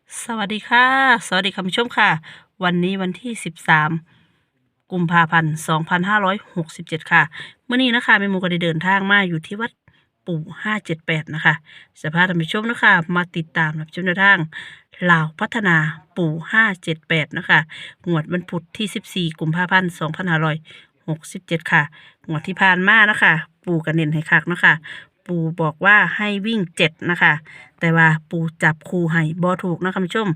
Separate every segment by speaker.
Speaker 1: สวัสดีค่ะสวัสดีคุณผู้ชมค่ะวันนี้วันที่13กุมภาพันธ์2567ค่ะเมื่อนี้นะคะแม่หมูก็ได้เดินทางมาอยู่ที่วัดปู่578นะคะจะพาท่านผู้ชมนะคะมาติดตามรับชมแนวทางลาวพัฒนาปู่578นะคะงวดวันพุธที่14กุมภาพันธ์2567ค่ะงวดที่ผ่านมานะคะปู่ก็เน้นให้คักนะคะปู่บอกว่าให้วิ่ง7นะคะแต่ว่าปู่จับคู่ให้บ่ถูกนะคุณผู้ชม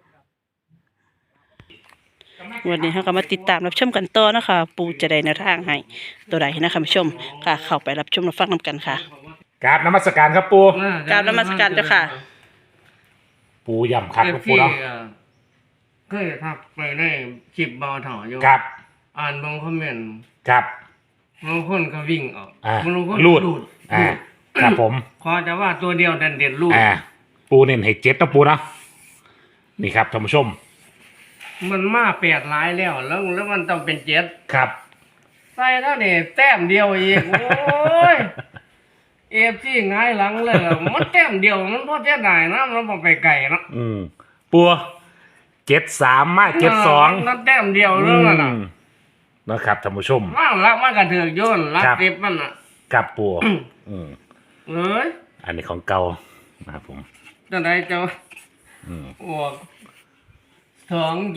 Speaker 1: วันนี้เราก็มาติดตามรับชมกันต่อนะคะปู่จะได้แนวทางให้ตัวใดนะคุณผู้ชมค่ะเข้าไปรับชมรับฟังนำกันค่ะ
Speaker 2: กราบนมัสการครับปู
Speaker 1: กราบนมัสการเจ้าค่ะ
Speaker 2: ปูย่ำคัก
Speaker 3: เอ
Speaker 2: ครับ
Speaker 3: ฟ
Speaker 2: ปู
Speaker 3: ซี
Speaker 2: เนาะ
Speaker 3: เคยทักไปในคลิปบอถออยู่
Speaker 2: ครับ
Speaker 3: อ่านบางคอมเมนต์
Speaker 2: ครับ
Speaker 3: บางคนก็วิ่งออก
Speaker 2: อ่า
Speaker 3: บางคน
Speaker 2: รูด
Speaker 3: รูด
Speaker 2: ครับผม
Speaker 3: ขอจะว่าตัวเดียวเด่นรูด
Speaker 2: ปูเน้นให้7นะปูเนาะนี่ครับท่านผู้ชม
Speaker 3: มันมาแปดหลายแล้วมันต้องเป็นเจ็ด
Speaker 2: ครับ
Speaker 3: ใส่เท่านี้แต้มเดียวอีกโอ้ยเอฟซีง่ายหลังเลยมันแต้มเดียวมันพอเท่าไหร่นะมันบ่ไปไกลเนาะ
Speaker 2: ปู73มา72
Speaker 3: นั่นแต้มเดียวเรื่องนั้นน่ะ
Speaker 2: นะครับท่านผู้ชม
Speaker 3: ว่างรักมันกระเถือกโยนรัก
Speaker 2: ครับ
Speaker 3: เต็บมันน่ะ
Speaker 2: กับปู
Speaker 3: เอ้ย
Speaker 2: อันนี้ของเก่านะครับผม
Speaker 3: ตอนไหนเจ้า
Speaker 2: อืม
Speaker 3: อวก2 7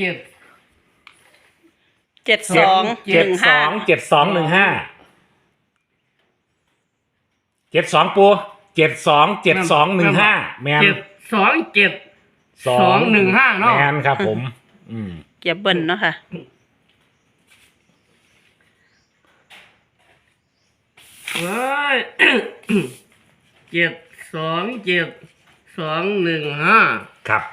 Speaker 1: 7215
Speaker 2: 72ปู727215แมน
Speaker 3: 2 7 2 1 5เนาะ
Speaker 2: แมนครับผม
Speaker 1: เกียบเบิ้ลเนาะค่ะ
Speaker 3: เฮ้ย 7 2 7 2 1 5
Speaker 2: ครับ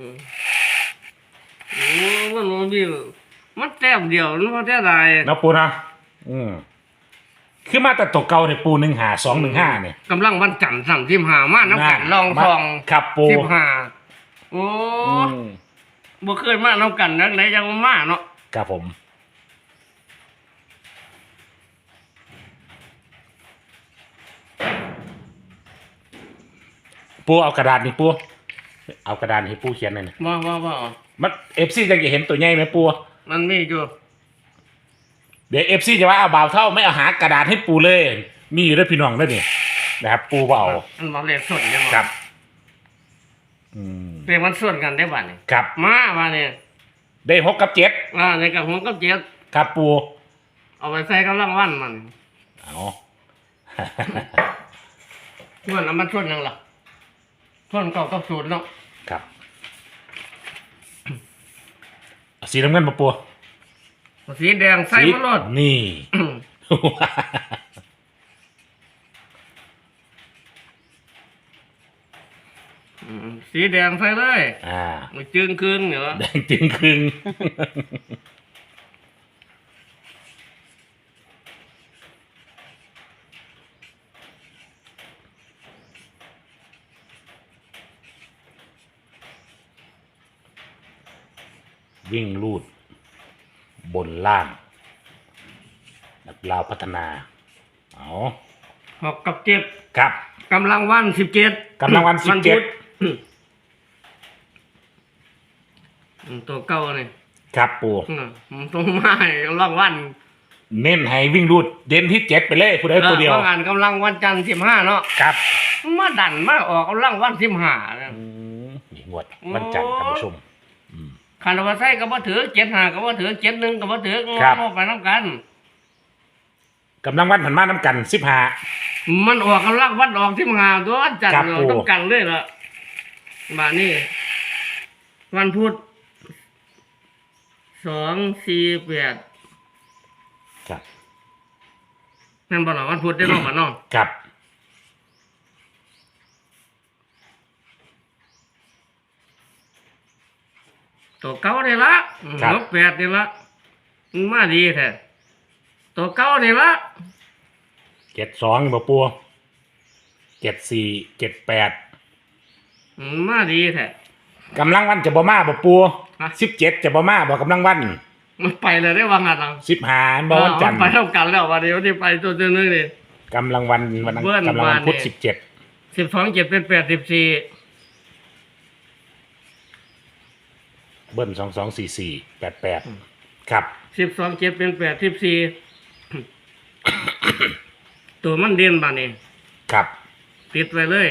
Speaker 3: โอ้มันบ่มีมันแต้มเดียวมันบ่ได้หลาย
Speaker 2: แล้วปูนะคือมาแต่ตกเก่าเนี่ยปู15215เนี่ย
Speaker 3: กำลังวันจันทร์สั่ง15มาน้ำกันลองทอง
Speaker 2: ครับปู
Speaker 3: 15โอ้บ่เคยมาน้ำกันนักไหนจังมาเนาะ
Speaker 2: ครับผม ปูเอากระดาษนี่ปูเอากระดาษให้ปูเขียนหน่อยนะ
Speaker 3: ว่า
Speaker 2: มันFCจะเห็นตัวใหญ่ไหมปู
Speaker 3: มันมีอยู่
Speaker 2: เดี๋ยวFCจะว่าเอาบ่าวเท่าไม่เอาหากระดาษให้ปูเลย มีอยู่ด้วยพี่น้องด้วยนี่นะครับปูบ่เอา
Speaker 3: มันบ่เลขส่วนได้บ่
Speaker 2: ครับ
Speaker 3: เลขมันส่วนกันได้บัดนี้
Speaker 2: ครับ
Speaker 3: มาบัดนี้
Speaker 2: ได้6กับ7
Speaker 3: ในกับหัวกับเจ็ด
Speaker 2: ครับปู
Speaker 3: เอาไปใส่กำลังวันมัน
Speaker 2: เอา
Speaker 3: ส่วนมันส่วนยังล่ะส่วนเก่ากับสูตรเนาะ
Speaker 2: ครับเอาสีน้ำเงินมาปู
Speaker 3: สีแดงใส่มาโลด
Speaker 2: นี่
Speaker 3: สีแดงใส่เลย มันจึงคืนเหรอ
Speaker 2: แดงจึงครึ่งวิ่งลูด บนล่างนักลาวพัฒนาเอา
Speaker 3: 6 กับ 7
Speaker 2: ครับ
Speaker 3: กำลังวัน17
Speaker 2: กำลังวัน17
Speaker 3: พุธตัวเก่านี่
Speaker 2: ครับปู
Speaker 3: มันต้องมาให้กำลังวัน
Speaker 2: เน้นให้วิ่งรูดเด่นที่7ไปเลยผู้ใดผู้เดียว
Speaker 3: เพราะงานกำลังวันจันทร์15เนาะ
Speaker 2: ครับ
Speaker 3: มาดันมาออกกำลังวัน15เนี่ย
Speaker 2: นี่งวดวันจันทร์ท่านผู้ชม
Speaker 3: ขันว่าใส่ก็บ่ถือ75ก็บ่ถือ71ก็บ่ถือ
Speaker 2: ครับ
Speaker 3: งอไปน้ำกัน
Speaker 2: กำลังวันผันมาน้ำกัน
Speaker 3: มันออกกำลังวันออก15ตัววันจันท
Speaker 2: ครับ
Speaker 3: ร์เรา
Speaker 2: ปู่
Speaker 3: ต้องกันเลยล่ะบาดนี้วันพุธ2 4 8
Speaker 2: ครับ
Speaker 3: นั่นบ่ล่ะวันพุธได้เนาะบ่เนาะ
Speaker 2: ครับ
Speaker 3: ตัวเก่านี่ละ6 8นี่ละมันมาดีแท้ตัวเก่านี่ละ
Speaker 2: 72บ่ปู74 78
Speaker 3: มันมาดีแท้
Speaker 2: กำลังวันจะบ่มาบ่ปู
Speaker 3: ฮะ
Speaker 2: 17จะบ่มาบ่กำลังวัน
Speaker 3: มันไปเลยได้วางงานเรา
Speaker 2: 15บ่วันจันทร์
Speaker 3: ไปเท่ากันแล้ววันนี้วันที่ไปตัวนึงนี่
Speaker 2: กำลังวันวันนั้น
Speaker 3: เบิ้ล
Speaker 2: กำลังวันพุธ
Speaker 3: วานเนี่ย
Speaker 2: 17
Speaker 3: 12 7เป็น8 14
Speaker 2: เบิ้ล224488ครับ
Speaker 3: 12 7เป็น8 14 ตัวมันเด่นบาดนี้
Speaker 2: ครับ
Speaker 3: ติดไว้เลย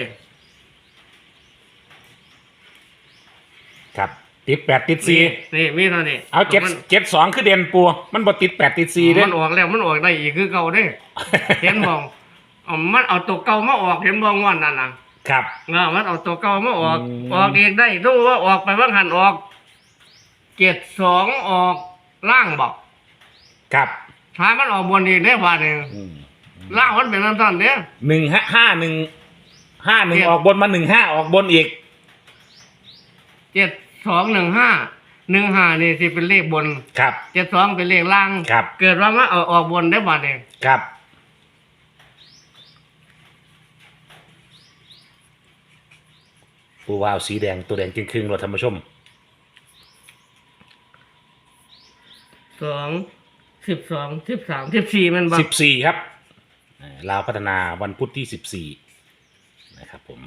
Speaker 2: ครับติด8ติด
Speaker 3: นี่มีเท่านี้
Speaker 2: 4เอา7 2คือเด่นปูมันบ่ติด8ติด4เด้
Speaker 3: มันออกแล้วมันออกได้อีกคือเก่าเด้ เห็นบ่มันเอาตัวเก่ามาออกเห็นบ่งอนนั่นน่ะ
Speaker 2: ครับ
Speaker 3: มันเอาตัวเก่ามาออก
Speaker 2: อืม
Speaker 3: ออกเองได้ดูว่าออกไปว่างหันออก72ออกล่างบอก
Speaker 2: ครับ
Speaker 3: ถ้ามันออกบนอีกได้บาดนี้
Speaker 2: อืม
Speaker 3: ล่างมันเป็นนั่นซั่นเด้
Speaker 2: 151ออกบนมา15ออกบนอีก
Speaker 3: 7215นี่สิเป็นเลขบน
Speaker 2: ครับ
Speaker 3: 72เป็นเลขล่าง
Speaker 2: ครับ
Speaker 3: เกิดว่ามันเอาออกบนได้บาดนี้
Speaker 2: ครับปูวาวสีแดงตัวแดงครึ่งๆเราท่านผู้ชม
Speaker 3: 2 12 13 14มันบ่
Speaker 2: 14ครับลาวพัฒนาวันพุธที่14นะครับผม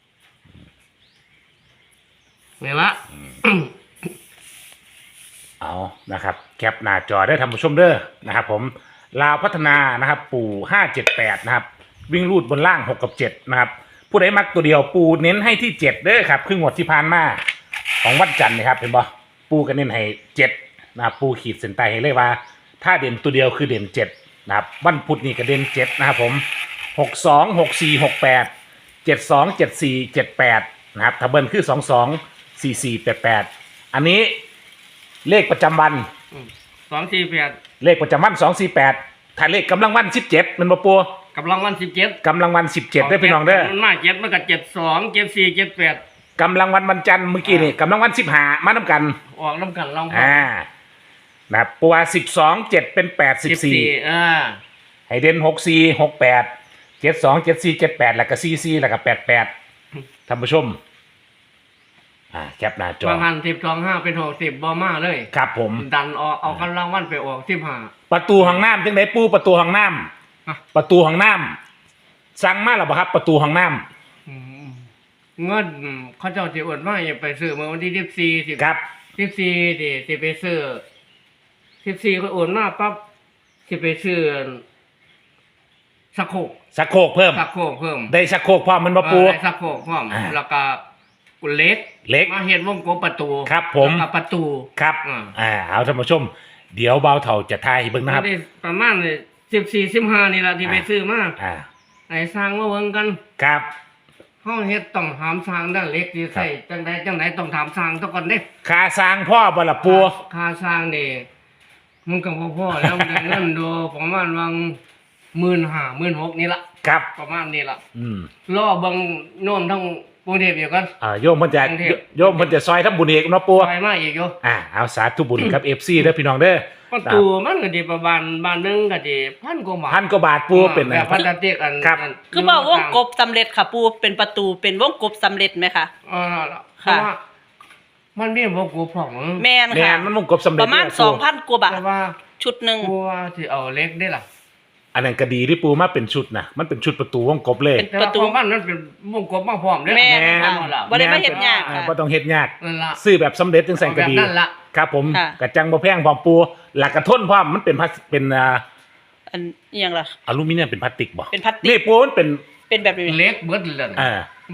Speaker 3: นี่ละ
Speaker 2: เอานะครับแคปหน้าจอได้ท่านผู้ชมเด้อนะครับผมลาวพัฒนานะครับปู่578นะครับวิ่งรูดบนล่าง6กับ7นะครับผู้ใดมักตัวเดียวปูเน้นให้ที่7เด้อครับครึ่งงวดที่ผ่านมาของวันจันทร์นะครับเห็นบ่ปูก็เน้นให้7นะครับปูขีดเส้นใต้ให้เลยว่า ถ้าเด่นตัวเดียวคือเด่น7นะครับวันพุธนี่ก็เด่น7นะครับผม62 64 68 72 74 78นะครับถ้าเบิ้ลคือ22 44 88อันนี้เลขประจำวัน
Speaker 3: 248
Speaker 2: เลขประจำวัน248ถ้าเลขกำลังวัน17มันบ่ปัว
Speaker 3: กำลังวัน17
Speaker 2: กำลังวัน17ได้อพี่น้องเด้อ
Speaker 3: มันมา7มันก็72 74 78
Speaker 2: กำลังวันจันทร์เมื่อกี้นี่กำลังวัน15มานํกัน
Speaker 3: ออกน้ำกันลอง
Speaker 2: นะครับปัว12 7เป็น8 14 ให้เด่น64 68 72 74 78แล้วก็44แล้วก็88ท่านผู้ชมแคปหน้าจอบ
Speaker 3: างหัน12 5เป็น60บ่มาเลย
Speaker 2: ครับผม
Speaker 3: ดันออกเอากำลังวันไปออก15
Speaker 2: ประตูห้องน้ำจังไดปูประตูห้องน้
Speaker 3: ฮะ
Speaker 2: ำประตูห้องน้ำสั่งมาแล้วบ่ครับประตูห้องน้
Speaker 3: อืมเงินเขาเจ้าสิอวดมาอย่าไปซื้อเมื่อวันที่14
Speaker 2: ำครับ
Speaker 3: 14สิไปซื้อ14ก็โอนมาปั๊บสิไปซื้อสักโครก
Speaker 2: ชักโครกเพิ่ม
Speaker 3: สักโครกเพิ่ม
Speaker 2: ได้ชักโครกพร้อมมันบ่ปู
Speaker 3: ได้สักโครกพร้อม แล้วก็กุเหล็ก
Speaker 2: เล็ก
Speaker 3: มาเฮ็ดวงกลมประตู
Speaker 2: ครับผม
Speaker 3: แล้วก็ประตู
Speaker 2: ครับ เอาท่านผู้ชม เดี๋ยวเบาเถ่าจะทายให้เบิ่งนะครับ
Speaker 3: ได้ประมาณ14 15นี่ล่ะที่ไปซื้อมา
Speaker 2: อ่า
Speaker 3: ให้สร้างมาเบิ่งกัน
Speaker 2: ครับ
Speaker 3: เฮาเฮ็ดต้องถามสร้างด้านเหล็กที่ใส่จังใดต้องถามสร้างซะก่อนเด้
Speaker 2: ค่าสร้างพ่อบ่ล่ะปู
Speaker 3: ค่าสร้างนี่มันก็บ่พอแล้วมันได้เงินดูประมาณวัง15,000 16,000นี่ล่ะ
Speaker 2: ครับ
Speaker 3: ประมาณนี้ล่ะ
Speaker 2: อืม
Speaker 3: รอเบิ่งโน้มทั้งกรุงเทพอยู่กัน
Speaker 2: โยมเพิ่นจะ
Speaker 3: กรุงเทพ
Speaker 2: โยมเพิ่นจะซอยทำบุญเอกเนาะปู
Speaker 3: ไปมาอีกอยู่
Speaker 2: เอาสาธุบุญกับ FC เด้อพี่น้องเด้อ
Speaker 3: ประตูมันก็สิประมาณบ้านหนึงก็สิ1,000 กว่าบาท
Speaker 2: พันกว่าบาทปูเป็น
Speaker 3: แบบพลาสติกอัน
Speaker 2: ครับ
Speaker 1: คือบอกวงกบสำเร็จค่ะปูเป็นประตูเป็นวงกบสำเร็จไหมคะ
Speaker 3: เพราะว่ามันมีบ่กูของ
Speaker 1: แม่น
Speaker 2: แม่
Speaker 1: ค่ะ
Speaker 2: นมันมงกบสำเร็จ
Speaker 1: ประมาณ
Speaker 2: เลยปู
Speaker 1: 2,000 กว่าบาท
Speaker 3: แต่ว่า
Speaker 1: ชุดหนึ่ง
Speaker 3: กูว่าสิเอาเหล็กได้ล่ะ
Speaker 2: อันนั้นก็ดีที่ปูมาเป็นชุดนะมันเป็นชุดประตูวงกบเลย
Speaker 1: เป็น
Speaker 3: แต่
Speaker 1: ประ
Speaker 3: ว่า
Speaker 1: ตู
Speaker 3: ของมันเป็นวงกลมมาพร้อมเด้
Speaker 1: แม่นค่ะ
Speaker 3: นั่นล่ะ
Speaker 1: บ่ได้มาเฮ็ดยากค่ะ
Speaker 2: บ่ต้องเฮ็ดยาก
Speaker 3: นั่นล่ะ
Speaker 2: ซื้อแบบสำเร็จจังซั่นก็ดี
Speaker 3: เอาแบบนั้นล่ะ
Speaker 2: ครับผม
Speaker 1: ค่ะ
Speaker 2: กระจังบ่แพงพร้อมปูหลักกระทนพร้อมมันเป็นพลาสเป็น
Speaker 1: อันอหยังล่ะ
Speaker 2: อลูมิเนียมเป็นพลาสติกบ่
Speaker 1: เป็นพลาสติก
Speaker 2: นี่ปูมันเป็น
Speaker 1: เป็นแบบนี้
Speaker 3: เหล็กเบิดเลย
Speaker 2: อ่าว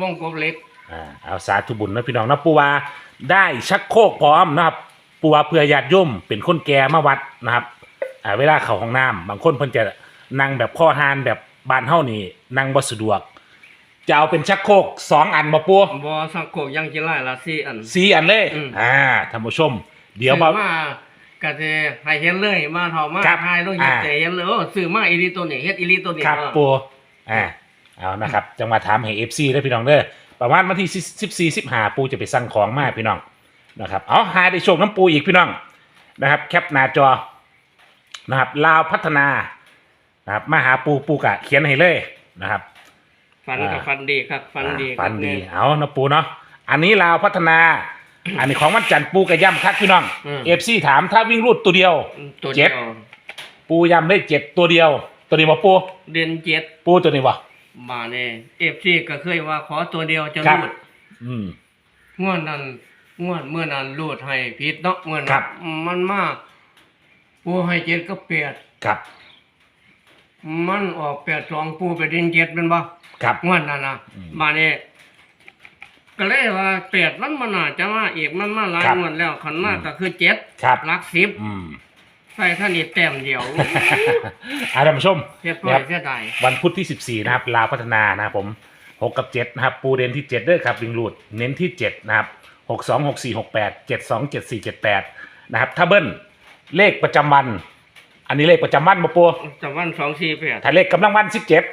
Speaker 3: งกลมเหล็ก
Speaker 2: เอาสาธุบุญนะพี่น้องนะปูว่าได้ชักโครกพร้อมนะครับปูว่าเพื่อญาติโยมเป็นคนแก่มาวัดนะครับเวลาเข้าห้องน้ำบางคนเพิ่นจะนั่งแบบข้อหานแบบบ้านเฮานี่นั่งบ่สะดวก จะเอาเป็นชักโครก2อันบ่ปู
Speaker 3: บ่สังโกกยังสิไล่ละ4อัน
Speaker 2: 4อันเลย
Speaker 3: อืม
Speaker 2: ท่านผู้ชม เดี๋ยวมา
Speaker 3: ซื้อมาก็สิให้เห็นเลยมาเท่ามา
Speaker 2: ครับ
Speaker 3: ให้ลงเฮ็ดแต่เห็นเลยโอ้ซื้อมาอีหลีตัวนี้เฮ็ดอีหลีตัวนี้
Speaker 2: ครับปูเอานะครับจังหวะถามให้ FC ได้อพี่น้องเด้อประมาณวันที่14 15ปูจะไปสั่งของมาพี่น้องนะครับเอาหาได้โชคน้ำปูอีกพี่น้องนะครับแคปหน้าจอนะครับลาวพัฒนานะครับมาหาปูกะเขียนให้เลยนะครับ
Speaker 3: ฟันกับฟันดีครับฟันดี
Speaker 2: ฝันดี
Speaker 3: ครับ
Speaker 2: เอานะปูเนาะอันนี้ลาวพัฒนา อันนี้ของวันจันทร์ปูกระย่ำคักพี่น้อง FC ถามถ้าวิ่งรูดตัวเดียว
Speaker 3: ตัวเดียว
Speaker 2: ปูย่ำได้7ตัวเดียวตัวนี้บ่ปู
Speaker 3: เดือน7
Speaker 2: ปูตัวนี้บ่
Speaker 3: มาเนี่ย FC ก็เคยว่าขอตัวเดียวจะ
Speaker 2: ครับ
Speaker 3: รูด
Speaker 2: อืม
Speaker 3: งวดนั้นงวดเมื่อนั้นรูดให้ผิดเนาะเมื่อ
Speaker 2: ครั
Speaker 3: นั้
Speaker 2: บ
Speaker 3: นมันมาปูให้เจ็ดก็เปียด
Speaker 2: ครับ
Speaker 3: มันออก82ปูไปดินเจ็ดเป็นบ่
Speaker 2: ครับ
Speaker 3: งวดนั้นนะ
Speaker 2: อืม
Speaker 3: มาเนี่ยก็เลยว่าเปียดมันน่าจะมาอีกมันมาหลาย
Speaker 2: ครับ
Speaker 3: งวดแล้วขันมาก็คือเจ็ด
Speaker 2: ครับ
Speaker 3: หลักสิบ
Speaker 2: อืม
Speaker 3: ใส่ท่านนี่แต้มเดียว
Speaker 2: ท่านผู้ชม
Speaker 3: เรียบร้
Speaker 2: นะ
Speaker 3: อ
Speaker 2: ค
Speaker 3: ย
Speaker 2: รับ
Speaker 3: เสียดาย
Speaker 2: วันพุธที่ 14 นะครับลาวพัฒนานะครับผม6กับ7นะครับปูเด่นที่7ด้วยครับวิงรูดเน้นที่ 7 นะครับ62 64 68 72 74 78นะครับถ้าเบิ้ลเลขประจำวัน อันนี้เลขประจำวันมาปู
Speaker 3: จำวัน248
Speaker 2: ถ้าเลขกำลังวัน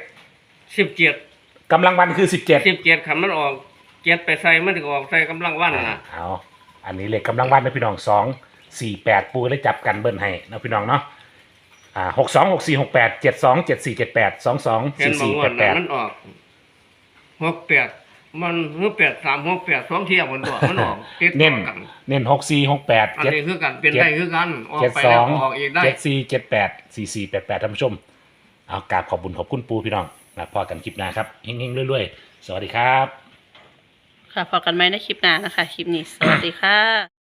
Speaker 3: 17
Speaker 2: 17กำลังวันคือ 17
Speaker 3: 17คันมันออกเจ็ดไปใส่มันถึงออกใส่กำลังวันน่ะ
Speaker 2: เอาอันนี้เลขกำลังวันนะพี่น้อง2 4 8ปูได้จับกันเบิ้ลให้นะพี่น้องเนาะ62 64 68 72 74 78 22
Speaker 3: เห็นบาง
Speaker 2: 44
Speaker 3: วันน่ะมัน
Speaker 2: 88
Speaker 3: ออก68มันคือ83 68 2เที่ยวมันตัวมันออกติดต่
Speaker 2: เน้
Speaker 3: อน กัน
Speaker 2: เน้น64 68
Speaker 3: อันนี้คือกันเป็นได้คือกันออก
Speaker 2: เจ็ด
Speaker 3: ไป
Speaker 2: ส
Speaker 3: แล้
Speaker 2: อ
Speaker 3: ว
Speaker 2: ง
Speaker 3: ออกอีกได้
Speaker 2: 74 78 44 88ท่านผู้ชมเอากราบขอบบุญขอบคุณปูพี่น้องนะพอกันคลิปหน้าครับเฮงๆรวยๆสวัสดีครับ
Speaker 1: ค่ะพอกันไหมในคลิปหน้านะคะ คลิปนี้ สวัสดีค่ะ